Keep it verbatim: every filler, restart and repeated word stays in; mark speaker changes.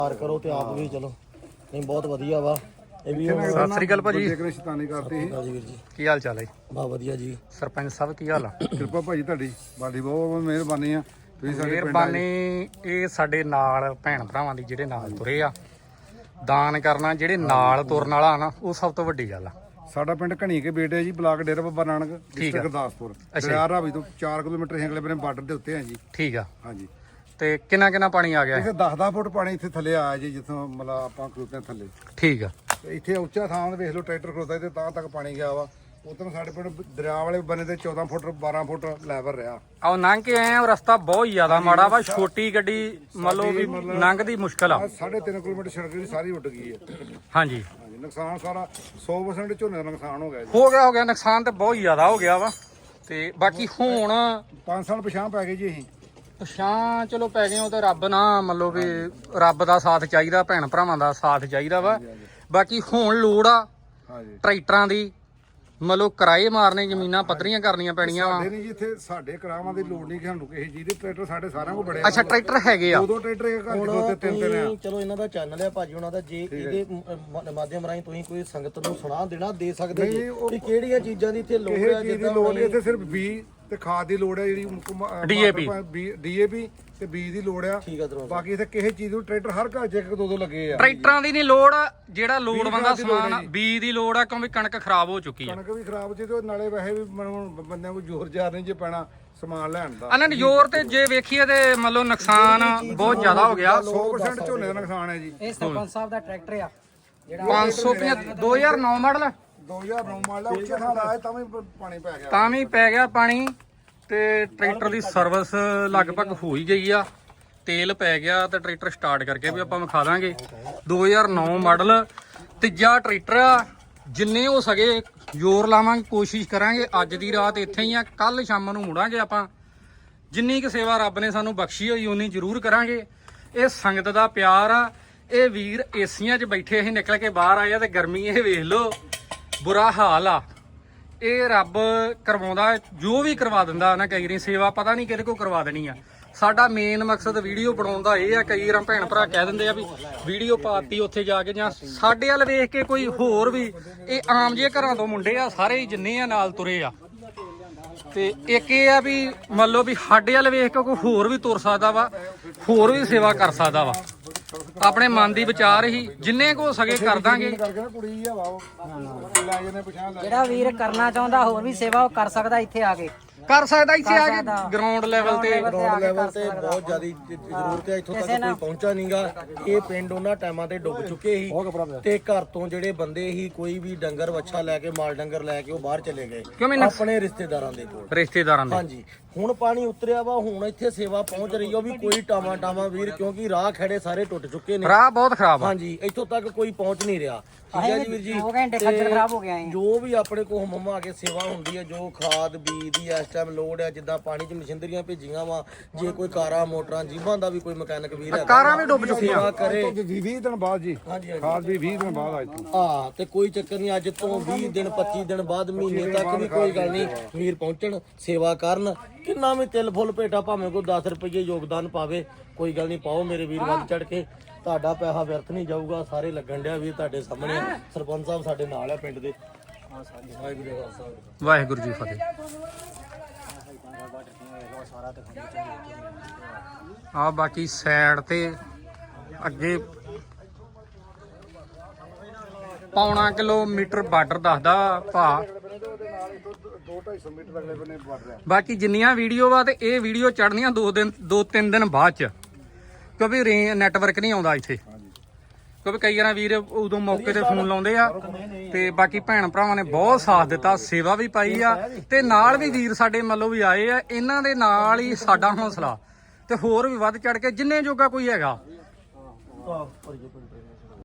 Speaker 1: ਪਾਰ ਕਰੋ ਤੇ ਆਪ ਵੀ ਚਲੋ ਨਹੀਂ ਬਹੁਤ ਵਧੀਆ ਵਾ ਇਹ ਵੀ।
Speaker 2: ਸਤਿ ਸ੍ਰੀ ਅਕਾਲ ਭਾਜੀ।
Speaker 3: ਸ਼ੈਤਾਨੀ ਕਰਦੀ ਸੀ
Speaker 1: ਜੀ ਵੀਰ ਜੀ
Speaker 2: ਕੀ ਹਾਲ ਚਾਲ ਹੈ?
Speaker 1: ਬਹੁਤ ਵਧੀਆ ਜੀ।
Speaker 2: ਸਰਪੰਚ ਸਾਹਿਬ ਕੀ ਹਾਲ ਆ?
Speaker 3: ਕਿਰਪਾ ਭਾਜੀ ਤੁਹਾਡੀ, ਬਾਡੀ ਬਹੁਤ ਮਿਹਰਬਾਨੀ ਆ ਤੁਸੀਂ ਸਾਡੇ ਪਿੰਡ ਆਏ।
Speaker 2: ਮਿਹਰਬਾਨੀ। ਇਹ ਸਾਡੇ ਨਾਲ ਭੈਣ ਭਰਾਵਾਂ ਦੀ ਜਿਹੜੇ ਨਾਲ ਤੁਰੇ ਆ, ਦਾਨ ਕਰਨਾ ਜਿਹੜੇ ਨਾਲ ਤੁਰਨ ਵਾਲਾ ਨਾ, ਉਹ ਸਭ ਤੋਂ ਵੱਡੀ ਗੱਲ ਆ।
Speaker 3: ਸਾਡਾ ਪਿੰਡ ਘਣੀ ਕੇ ਬੇਟੇ ਜੀ, ਬਲਾਕ ਡੇਰਾ ਬਾਬਾ ਨਾਨਕ, ਡਿਸਟ੍ਰਿਕਟ ਗੁਰਦਾਸਪੁਰ। ਦਰਿਆ ਰਾਵੀ ਤੋਂ ਚਾਰ ਕਿਲੋਮੀਟਰ ਹੇਂਗਲੇ ਬਨੇ ਬਾਰਡਰ ਦੇ ਉੱਤੇ ਆ ਜੀ।
Speaker 2: ਠੀਕ ਆ।
Speaker 3: ਹਾਂਜੀ।
Speaker 2: ਤੇ ਕਿੰਨਾ ਕਿੰਨਾ ਪਾਣੀ ਆ ਗਿਆ?
Speaker 3: ਇੱਥੇ ਦਸ ਦਸ ਫੁੱਟ ਪਾਣੀ ਇੱਥੇ ਥੱਲੇ ਆਇਆ ਜੀ, ਜਿੱਥੋਂ ਮਤਲਬ ਆਪਾਂ ਖਲੋਤੇ ਹਾਂ ਥੱਲੇ।
Speaker 2: ਠੀਕ ਆ।
Speaker 3: ਤੇ ਇੱਥੇ ਉੱਚਾ ਥਾਂ ਤੇ ਵੇਖ ਲਓ, ਟਰੈਕਟਰ ਖਲੋਤਾ ਤੇ ਤਾਂ ਤੱਕ ਪਾਣੀ ਗਿਆ ਵਾ। ਉਧਰ ਸਾਡੇ ਪਿੰਡ ਦਰਿਆ ਵਾਲੇ ਬੰਨੇ ਤੇ ਚੌਦਾਂ ਫੁੱਟ ਬਾਰਾਂ ਫੁੱਟ ਲੈਵਲ ਰਿਹਾ।
Speaker 2: ਆਹ ਲੰਘ ਕੇ ਆਏ ਆ, ਉਹ ਰਸਤਾ ਬਹੁਤ ਜ਼ਿਆਦਾ ਮਾੜਾ ਵਾ। ਛੋਟੀ ਗੱਡੀ ਮੰਨ ਲਓ ਵੀ ਲੰਘਦੀ ਮੁਸ਼ਕਲ ਆ।
Speaker 3: ਸਾਢੇ ਤਿੰਨ ਕਿਲੋਮੀਟਰ ਸੜਕ ਦੀ ਸਾਰੀ ਉੱਡ ਗਈ ਹੈ।
Speaker 2: ਹਾਂਜੀ
Speaker 3: ਹਾਂਜੀ, ਨੁਕਸਾਨ ਸਾਰਾ ਸੌ ਪਰਸੈਂਟ ਝੋਨੇ ਦਾ ਨੁਕਸਾਨ ਹੋ ਗਿਆ ਜੀ।
Speaker 2: ਹੋ ਗਿਆ ਹੋ ਗਿਆ ਨੁਕਸਾਨ ਤੇ ਬਹੁਤ ਜ਼ਿਆਦਾ ਹੋ ਗਿਆ ਵਾ। ਤੇ ਬਾਕੀ ਹੁਣ
Speaker 3: ਪੰਜ ਸਾਲ ਪਿਛਾਂ ਪੈ ਗਏ ਜੀ ਅਸੀਂ।
Speaker 2: ਪਛਾਂ ਚਲੋ ਪੈ ਗਏ, ਉਹ ਤੇ ਰੱਬ ਨਾ ਮੰਨ ਲਓ ਵੀ ਰੱਬ ਦਾ ਸਾਥ ਚਾਹੀਦਾ, ਭੈਣ ਭਰਾਵਾਂ ਦਾ ਸਾਥ ਚਾਹੀਦਾ ਵਾ। ਬਾਕੀ ਹੁਣ ਲੋੜ ਆ
Speaker 3: ਹਾਂਜੀ
Speaker 2: ਟਰੈਕਟਰਾਂ ਦੀ, ਮਤਲਬ ਕਿਰਾਏ ਮਾਰਨੇ, ਜ਼ਮੀਨਾਂ ਪੱਧਰੀਆਂ ਕਰਨੀਆਂ ਪੈਣੀਆਂ ਵਾ।
Speaker 3: ਸਾਡੇ ਨਹੀਂ ਜੀ ਇੱਥੇ, ਸਾਡੇ ਕਰਾਵਾਂ ਦੀ ਲੋੜ ਨਹੀਂ ਕਿ ਸਾਨੂੰ ਕਿਸੇ ਚੀਜ਼ ਦੇ। ਟਰੈਕਟਰ ਸਾਡੇ ਸਾਰਿਆਂ ਕੋਲ ਬੜੇ ਆ।
Speaker 2: ਅੱਛਾ ਟਰੈਕਟਰ ਹੈਗੇ ਆ?
Speaker 3: ਦੋ ਦੋ ਟਰੈਕਟਰ ਇੱਕ ਘਰ ਦੇ ਦੋ ਤਿੰਨ ਤਿੰਨ ਆ।
Speaker 1: ਚਲੋ ਇਹਨਾਂ ਦਾ ਚੈਨਲ ਹੈ ਭਾਜੀ ਉਹਨਾਂ ਦਾ, ਜੇ ਇਹਦੇ ਮ- ਮਾਧਿਅਮ ਰਾਹੀਂ ਤੁਸੀਂ ਕੋਈ ਸੰਗਤ ਨੂੰ ਸੁਣਾ ਦੇਣਾ ਦੇ ਸਕਦੇ ਜੀ ਕਿ ਕਿਹੜੀਆਂ ਚੀਜ਼ਾਂ ਦੀ ਇੱਥੇ ਲੋੜ
Speaker 3: ਕਿਸੇ
Speaker 1: ਹੈ।
Speaker 3: ਚੀਜ਼ ਦੀ ਲੋੜ ਨਹੀਂ ਇੱਥੇ, ਸਿਰਫ ਬੀ ਤੇ ਖਾਦ ਦੀ ਲੋੜ ਹੈ ਜਿਹੜੀ
Speaker 2: D A P
Speaker 3: D A ਪੀ ਤੇ ਬੀਜ ਦੀ ਲੋੜ ਆ।
Speaker 1: ਠੀਕ ਆ ਦਰੋਂ
Speaker 3: ਬਾਕੀ ਇੱਥੇ ਕਿਸੇ ਚੀਜ਼ ਨੂੰ ਟਰੈਕਟਰ ਹਰ ਘਰ 'ਚ ਇੱਕ ਦੋ ਦੋ ਲੱਗੇ ਆ।
Speaker 2: ਟਰੈਕਟਰਾਂ ਦੀ ਨਹੀਂ ਲੋੜ, ਜਿਹੜਾ ਲੋੜਵੰਦ ਦਾ ਸਮਾਨ ਆ, ਬੀਜ ਦੀ ਲੋੜ ਆ, ਕਿਉਂਕਿ ਕਣਕ ਖਰਾਬ ਹੋ ਚੁੱਕੀ ਆ।
Speaker 3: ਕਣਕ ਵੀ ਖਰਾਬ ਸੀ ਤੇ ਨਾਲੇ ਵੈਸੇ ਵੀ ਮੈਨੂੰ ਬੰਦਿਆਂ ਕੋਲ ਜ਼ੋਰ ਜ਼ਾਰ ਨਹੀਂ ਜੇ ਪੈਣਾ ਸਮਾਨ ਲੈਣ ਦਾ।
Speaker 2: ਇਹਨਾਂ ਨੇ ਜ਼ੋਰ ਤੇ ਜੇ ਵੇਖੀਏ ਤੇ ਮੰਨ ਲਓ ਨੁਕਸਾਨ ਬਹੁਤ ਜ਼ਿਆਦਾ ਹੋ ਗਿਆ।
Speaker 3: ਸੌ ਪਰਸੈਂਟ ਝੋਨੇ ਦਾ ਨੁਕਸਾਨ ਹੈ ਜੀ।
Speaker 4: ਇਹ ਸਰਪੰਚ ਸਾਹਿਬ ਦਾ ਟਰੈਕਟਰ ਆ ਜਿਹੜਾ
Speaker 2: ਪੰਜ ਸੌ ਪਝੱਤਰ ਦੋ ਹਜ਼ਾਰ ਨੌ ਮਾਡਲ
Speaker 3: ਦੋ ਹਜ਼ਾਰ ਨੌ ਮਾਡਲ ਆ, ਉੱਚਾ ਥਾਂ ਲਾਇਆ ਤਾਂ ਵੀ ਪਾਣੀ ਪੈ ਗਿਆ।
Speaker 2: ਤਾਂ ਵੀ ਪੈ ਗਿਆ ਪਾਣੀ। ਤੇ ਟਰੈਕਟਰ ਦੀ ਸਰਵਿਸ ਲਗਭਗ ਹੋ ਹੀ ਗਈ ਆ, ਤੇਲ ਪੈ ਗਿਆ ਤੇ ਟਰੈਕਟਰ ਸਟਾਰਟ ਕਰਕੇ ਵੀ ਆਪਾਂ ਵਿਖਾ ਦਾਂਗੇ। ਦੋ ਹਜ਼ਾਰ ਨੌ ਮਾਡਲ ਤੀਜਾ ਟਰੈਕਟਰ ਆ। ਜਿੰਨੇ ਹੋ ਸਕੇ ਜ਼ੋਰ ਲਾਵਾਂਗੇ, ਕੋਸ਼ਿਸ਼ ਕਰਾਂਗੇ। ਅੱਜ ਦੀ ਰਾਤ ਇੱਥੇ ਹੀ ਆ, ਕੱਲ ਸ਼ਾਮ ਨੂੰ ਮੁੜਾਂਗੇ ਆਪਾਂ। ਜਿੰਨੀ ਕੁ ਸੇਵਾ ਰੱਬ ਨੇ ਸਾਨੂੰ ਬਖਸ਼ੀ ਹੋਈ ਉਨੀ ਜ਼ਰੂਰ ਕਰਾਂਗੇ। ਇਹ ਸੰਗਤ ਦਾ ਪਿਆਰ ਆ। ਇਹ ਵੀਰ ਏਸੀਆਂ 'ਚ ਬੈਠੇ ਅਸੀਂ ਨਿਕਲ ਕੇ ਬਾਹਰ ਆਏ ਆ ਤੇ ਗਰਮੀ ਇਹ ਵੇਖ ਲਓ, ਬੁਰਾ ਹਾਲ ਆ। ਇਹ ਰੱਬ ਕਰਵਾਉਂਦਾ, ਜੋ ਵੀ ਕਰਵਾ ਦਿੰਦਾ ਨਾ। ਕਈ ਵਾਰੀ ਸੇਵਾ ਪਤਾ ਨਹੀਂ ਕਿਹਦੇ ਕੋਲ ਕਰਵਾ ਦੇਣੀ ਆ। ਸਾਡਾ ਮੇਨ ਮਕਸਦ ਵੀਡੀਓ ਬਣਾਉਣ ਦਾ ਇਹ ਆ। ਕਈ ਵਾਰ ਭੈਣ ਭਰਾ ਕਹਿ ਦਿੰਦੇ ਆ ਵੀ ਵੀਡੀਓ ਪਾਤੀ ਉੱਥੇ ਜਾ ਕੇ, ਜਾਂ ਸਾਡੇ ਵੱਲ ਵੇਖ ਕੇ ਕੋਈ ਹੋਰ ਵੀ। ਇਹ ਆਮ ਜਿਹੇ ਘਰਾਂ ਤੋਂ ਮੁੰਡੇ ਆ, ਸਾਰੇ ਹੀ ਜਿੰਨੇ ਆ ਨਾਲ ਤੁਰੇ ਆ। ਤੇ ਇੱਕ ਇਹ ਆ ਵੀ ਮੰਨ ਲਓ ਵੀ ਸਾਡੇ ਵੱਲ ਵੇਖ ਕੇ ਕੋਈ ਹੋਰ ਵੀ ਤੁਰ ਸਕਦਾ ਵਾ, ਹੋਰ ਵੀ ਸੇਵਾ ਕਰ ਸਕਦਾ ਵਾ। ਆਪਣੇ ਮਨ ਦੀ ਵਿਚਾਰ ਹੀ ਜਿੰਨੇ ਕੋ ਸਕੇ ਕਰ ਦਾਂਗੇ।
Speaker 3: ਕੁੜੀ ਆ ਵਾ ਲੈ ਜਨੇ ਪਿਛਾਂ ਲੈ।
Speaker 4: ਜਿਹੜਾ ਵੀਰ ਕਰਨਾ ਚਾਹੁੰਦਾ ਹੋਰ ਵੀ ਸੇਵਾ ਉਹ ਕਰ ਸਕਦਾ ਇੱਥੇ ਆ ਕੇ,
Speaker 2: ਕਰ ਸਕਦਾ ਇੱਥੇ ਆ ਕੇ ਗਰਾਊਂਡ ਲੈਵਲ ਤੇ।
Speaker 1: ਗਰਾਊਂਡ ਲੈਵਲ ਤੇ ਬਹੁਤ ਜ਼ਿਆਦਾ ਜ਼ਰੂਰਤ ਹੈ। ਇੱਥੋਂ ਤੱਕ ਕੋਈ ਪਹੁੰਚਾ ਨਹੀਂਗਾ। ਇਹ ਪਿੰਡ ਉਹਨਾਂ ਟਾਈਮਾਂ ਤੇ ਡੁੱਬ ਚੁੱਕੇ ਸੀ ਤੇ ਘਰ ਤੋਂ ਜਿਹੜੇ ਬੰਦੇ ਸੀ, ਕੋਈ ਵੀ ਡੰਗਰ ਵੱਛਾ ਲੈ ਕੇ, ਮਾਲ ਡੰਗਰ ਲੈ ਕੇ ਉਹ ਬਾਹਰ ਚਲੇ ਗਏ ਆਪਣੇ ਰਿਸ਼ਤੇਦਾਰਾਂ ਦੇ ਕੋਲ।
Speaker 2: ਰਿਸ਼ਤੇਦਾਰਾਂ ਦੇ
Speaker 1: ਹਾਂਜੀ, ਹੁਣ ਪਾਣੀ ਉਤਰਿਆ ਵਾ, ਹੁਣ ਇੱਥੇ ਸੇਵਾ ਪਹੁੰਚ ਰਹੀ ਉਹ ਵੀ ਕੋਈ ਟਾਵਾਂ ਟਾਵਾਂ ਵੀਰ, ਕਿਉਂਕਿ ਰਾਹ ਖੜੇ ਸਾਰੇ ਟੁੱਟ ਚੁੱਕੇ ਨੇ।
Speaker 2: ਰਾਹ ਬਹੁਤ ਖਰਾਬ ਆ।
Speaker 1: ਹਾਂਜੀ, ਇੱਥੋਂ ਤੱਕ ਕੋਈ ਪਹੁੰਚ ਨਹੀਂ ਰਿਹਾ। ਠੀਕ ਹੈ ਜੀ ਵੀਰ ਜੀ।
Speaker 4: ਦੋ ਘੰਟੇ ਖੱਜਲ ਖਰਾਬ ਹੋ ਗਿਆ ਹੈ।
Speaker 1: ਜੋ ਵੀ ਆਪਣੇ ਕੋਲ ਮੰਮਾ ਆ ਕੇ ਸੇਵਾ ਹੁੰਦੀ ਹੈ, ਜੋ ਖਾਦ ਬੀਜ ਦੀ ਇਸ ਟਾਈਮ ਲੋੜ ਹੈ, ਜਿੱਦਾਂ ਪਾਣੀ 'ਚ ਮਸ਼ੀਨਰੀਆਂ ਭੇਜੀਆਂ ਵਾ, ਜੇ ਕੋਈ ਕਾਰਾਂ ਮੋਟਰਾਂ ਜੀਬਾਂ ਦਾ ਵੀ ਕੋਈ ਮਕੈਨਿਕ ਵੀਰ ਹੈ,
Speaker 2: ਕਾਰਾਂ ਵੀ ਡੁੱਬ ਚੁੱਕੀਆਂ
Speaker 1: ਸੇਵਾ ਕਰੇ।
Speaker 3: ਵੀਹ ਦਿਨ ਬਾਅਦ ਜੀ
Speaker 1: ਹਾਂਜੀ
Speaker 3: ਖਾਦ ਵੀ ਵੀਹ ਦਿਨ ਬਾਅਦ ਅੱਜ ਤੋਂ।
Speaker 1: ਹਾਂ, ਤੇ ਕੋਈ ਚੱਕਰ ਨਹੀਂ। ਅੱਜ ਤੋਂ ਵੀਹ ਦਿਨ ਪੱਚੀ ਦਿਨ ਬਾਅਦ, ਮਹੀਨੇ ਤੱਕ ਵੀ ਕੋਈ ਗੱਲ ਨਹੀਂ। ਵੀਰ ਪਹੁੰਚਣ, ਸੇਵਾ ਕਰਨ। ਕਿੰਨਾ ਵੀ ਤਿਲ ਫੁੱਲ ਭੇਟਾ, ਭਾਵੇਂ ਕੋਈ ਦਸ ਰੁਪਏ ਯੋਗਦਾਨ ਪਾਵੇ, ਕੋਈ ਗੱਲ ਨਹੀਂ, ਪਾਓ ਮੇਰੇ ਵੀਰ ਵੱਧ ਚੜ ਕੇ। ਤੁਹਾਡਾ ਪੈਸਾ ਵਿਅਰਥ ਨਹੀਂ ਜਾਊਗਾ। ਸਾਰੇ ਲੱਗਣ ਡਿਆ ਵੀਰ ਤੁਹਾਡੇ ਸਾਹਮਣੇ। ਸਰਪੰਚ ਸਾਹਿਬ ਸਾਡੇ ਨਾਲ ਆ ਪਿੰਡ ਦੇ। ਵਾਹਿਗੁਰੂ ਜੀ ਕਾ ਖਾਲਸਾ
Speaker 2: ਵਾਹਿਗੁਰੂ ਜੀ ਫਤਿਹ। ਆ ਬਾਕੀ ਸਾਈਡ ਤੇ ਅੱਗੇ ਪੌਣਾ ਕਿਲੋਮੀਟਰ ਬਾਰਡਰ ਦੱਸਦਾ ਭਾ।
Speaker 3: ਦੋ ਢਾਈ ਸੌ ਮੀਟਰ ਅਗਲੇ ਬੰਨੇ ਬਾਰਡਰ ਆ।
Speaker 2: ਬਾਕੀ ਜਿੰਨੀਆਂ ਵੀਡੀਓ ਵਾ ਤੇ ਇਹ ਵੀਡੀਓ ਚੜਨੀਆਂ ਦੋ ਦਿਨ ਦੋ ਤਿੰਨ ਦਿਨ ਬਾਅਦ ਚ, ਕਿਉਂਕਿ ਰੇ ਨੈਟਵਰਕ ਨਹੀਂ ਆਉਂਦਾ ਇੱਥੇ। ਕਿਉਂਕਿ ਕਈ ਵਾਰ ਵੀਰ ਉਦੋਂ ਮੌਕੇ ਤੇ ਫੋਨ ਲਾਉਂਦੇ ਆ। ਤੇ ਬਾਕੀ ਭੈਣ ਭਰਾਵਾਂ ਨੇ ਬਹੁਤ ਸਾਥ ਦਿੱਤਾ, ਸੇਵਾ ਵੀ ਪਾਈ ਆ। ਤੇ ਨਾਲ ਵੀ ਵੀਰ ਸਾਡੇ ਮੱਲੋਂ ਵੀ ਆਏ ਆ। ਇਹਨਾਂ ਦੇ ਨਾਲ ਹੀ ਸਾਡਾ ਹੌਸਲਾ ਤੇ ਹੋਰ ਵੀ ਵੱਧ ਚੜ ਕੇ ਜਿੰਨੇ ਜੋਗਾ ਕੋਈ ਹੈਗਾ।